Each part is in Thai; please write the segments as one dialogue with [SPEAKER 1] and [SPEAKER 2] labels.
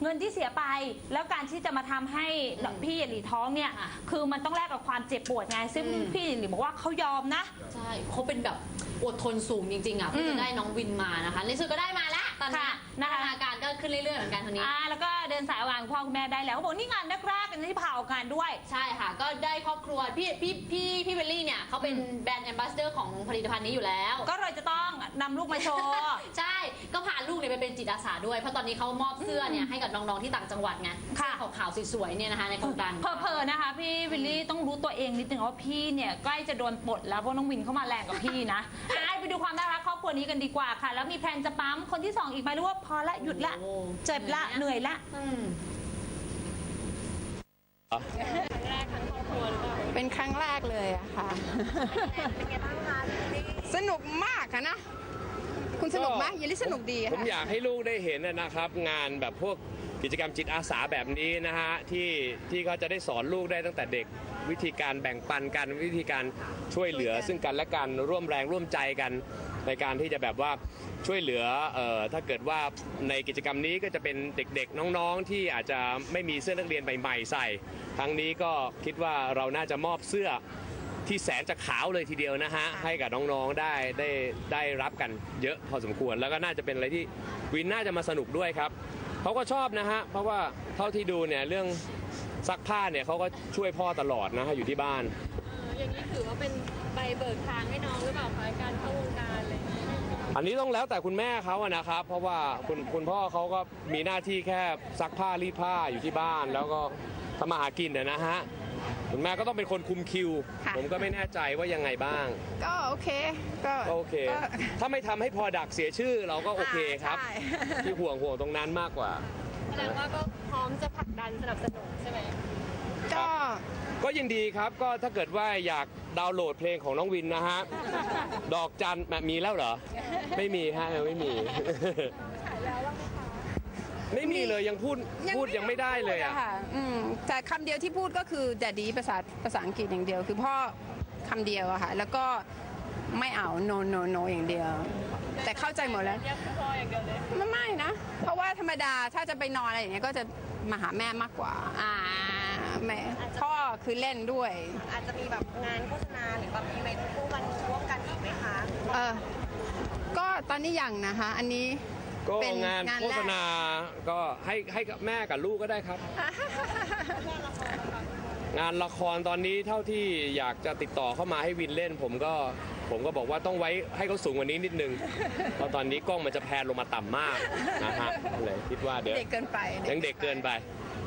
[SPEAKER 1] เงินที่เสียไปแล้วการที่จะมาทำให้พี่หยินหลีท้องเนี่ยคือมันต้องแลกกับความเจ็บปวดไงซึ่งพี่หยินหลีบอกว่าเขายอมนะ
[SPEAKER 2] ใช่เขาเป็นแบบอดทนสูงจริงๆอ่ะเพื่อจะได้น้องวินมานะคะในสุดก็ได้มาแล้วตอนนี้นะคะอาการก็ขึ้นเรื่อยๆเหมือนกันคนนี้
[SPEAKER 1] แล้วก็เดินสายวางพ่อคุณแม่ได้แล้วเขาบอกนี่งานแรกๆกันที่ผ่าออกงานด้วย
[SPEAKER 2] ใช่ค่ะก็ได้ครอบครัวพี่เบลลี่เนี่ยเขาเป็นแบรนด์แอมบาสเดอร์ของผลิตภัณฑ์นี้อยู่แล้ว
[SPEAKER 1] ก็เลยจะต้องนำลูกมาโชว์
[SPEAKER 2] ใช่ก็พาลูกเนี่ยไปเป็นจิตอาสาด้วยเพราะตอนนี้เขามอบเสื้อเนี่ยให้กับน้องๆที่ต่างจังหวัดไงค่ะขาวๆสวยๆเนี่ยนะคะในโครงการ
[SPEAKER 1] เพอนะคะพี่วิลลี่ต้องรู้ตัวเองนิดนึงว่าพี่เนี่ยใกล้จะโดนปลดแล้วเพราะน้องวินเข้ามาแรงกับพี่นะไปดูความน่ารักครอบครัวนี้กันดีกว่าค่ะแล้วมีแพลนจะปั๊มคนที่2อีกไหมหรือว่าพอละหยุดละเจ็บละเหนื่อยละ
[SPEAKER 3] เป็นครั้งแรกเลยอะค่ะเป็นไงบ้างคะสนุกมากอะนะคุณสนุกไหมยินดีสนุกดี
[SPEAKER 4] ผมอยากให้ลูกได้เห็นนะครับงานแบบพวกกิจกรรมจิตอาสาแบบนี้นะฮะที่เขาจะได้สอนลูกได้ตั้งแต่เด็กวิธีการแบ่งปันกันวิธีการช่วยเหลือซึ่งกันและกันร่วมแรงร่วมใจกันในการที่จะแบบว่าช่วยเหลือถ้าเกิดว่าในกิจกรรมนี้ก็จะเป็นเด็กๆน้องๆที่อาจจะไม่มีเสื้อนักเรียนใหม่ๆใส่ครั้งนี้ก็คิดว่าเราน่าจะมอบเสื้อที่แสนจะขาวเลยทีเดียวนะฮะให้กับน้องๆได้รับกันเยอะพอสมควรแล้วก็น่าจะเป็นอะไรที่วินน่าจะมาสนุกด้วยครับเขาก็ชอบนะฮะเพราะว่าเท่าที่ดูเนี่ยเรื่องซักผ้าเนี่ยเขาก็ช่วยพ่อตลอดนะฮะอยู่ที่บ้าน
[SPEAKER 5] อย่างนี้ถือว่าเป็นใบเบิกทางให้น้องหรือเปล่าคะการเข้าวงการอะไร
[SPEAKER 4] อันนี้ต้องแล้วแต่คุณแม่เขาอะนะครับเพราะว่าคุณพ่อเขาก็มีหน้าที่แค่ซักผ้ารีดผ้าอยู่ที่บ้านแล้วก็ทำมาหากินนะฮะคุณแม่ก็ต้องเป็นคนคุมคิวผมก็ไม่แน่ใจว่ายังไงบ้าง
[SPEAKER 3] ก็โอเคก็
[SPEAKER 4] โอเคถ้าไม่ทำให้พอดักเสียชื่อเราก็โอเคครับที่ห่วงตรงนั้นมากกว่า
[SPEAKER 5] แสดงว่าก็พร้อมจะผลักดันสนับสนุนใช่ไหม
[SPEAKER 4] ก็ยินดีครับก็ถ้าเกิดว่าอยากดาวน์โหลดเพลงของน้องวินนะฮะดอกจันมีแล้วเหรอไม่มีฮะไม่มีไม่มีเลยยังพูดยังไม่ได้เลยอ่ะ
[SPEAKER 3] แต่คำเดียวที่พูดก็คือแต่ดีภาษาอังกฤษอย่างเดียวคือพ่อคำเดียวอะค่ะแล้วก็ไม่เอา no อย่างเดียวแต่เข้าใจหมดแล้วไม่นะเพราะว่าธรรมดาถ้าจะไปนอนอะไรอย่างเงี้ยก็จะมาหาแม่มากกว่าแม่พ่อคือเล่นด้วย
[SPEAKER 5] อาจจะมีแบบงานโฆษณาหรือแบบมีอะไรคู่กันร่วมกันอีกไหมคะ
[SPEAKER 3] ก็ตอนนี้ยังนะคะอันนี้
[SPEAKER 4] ก็งานโฆษณาก็ให้กับแม่กับลูกก็ได้ครับงานละครตอนนี้เท่าที่อยากจะติดต่อเข้ามาให้วินเล่นผมก็บอกว่าต้องไว้ให้เขาสูงกว่านี้นิดนึงเพราะตอนนี้กล้องมันจะแพนลงมาต่ำมากนะฮะเลยคิดว่าเดี๋ยว
[SPEAKER 3] เด็กเกินไป
[SPEAKER 4] ยังเด็กเกินไป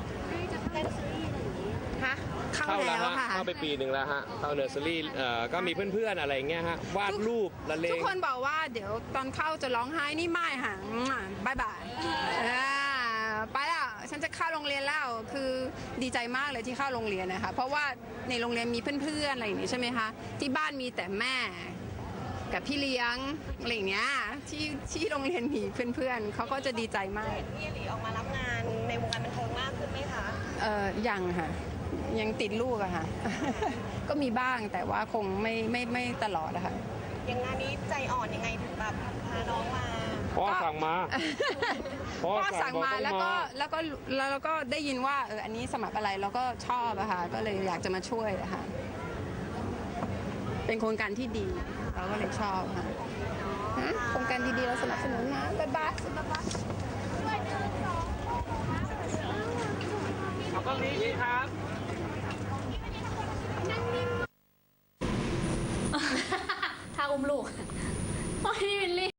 [SPEAKER 4] เข้าแล้วฮะเข้าไปปีหนึ่งแล้วฮะเข้าเนอร์เซอรี่ก็มีเพื่อนๆอะไรเงี้ยฮะวาดรูปละเลง
[SPEAKER 3] ทุกคนบอกว่าเดี๋ยวตอนเข้าจะร้องไห้นี่ไม่ค่ะบายไปแล้วฉันจะเข้าโรงเรียนแล้วคือดีใจมากเลยที่เข้าโรงเรียนนะคะเพราะว่าในโรงเรียนมีเพื่อนๆอะไรอย่างนี้ใช่ไหมคะที่บ้านมีแต่แม่กับพี่เลี้ยงอะไรอย่างเงี้ยที่โรงเรียนมีเพื่อนๆเขาก็จะดีใจมาก
[SPEAKER 5] พี่หลีออกมารับงานในวงการบันเทิงมากขึ้นไหมคะ
[SPEAKER 3] ยังค่ะยังติดลูกอะค่ะก็มีบ้างแต่ว่าคงไม่ตลอดนะคะ
[SPEAKER 5] อย่างงานนี้ใจอ่อนยังไงถึงแบบพาน้องมา
[SPEAKER 4] พ่อสั่งมา
[SPEAKER 3] พ่อสั่งมาแล้วก็ได้ยินว่าอันนี้สมัครอะไรแล้วก็ชอบอะค่ะก็เลยอยากจะมาช่วยอะค่ะเป็นโครงการที่ดีเราก็เลยชอบค่ะโครงการดีๆเราสนับสนุนนะบ๊ายบาย
[SPEAKER 4] ก็นี้ครับ
[SPEAKER 2] ถ้าอุ้มลูกพี่วิลลี่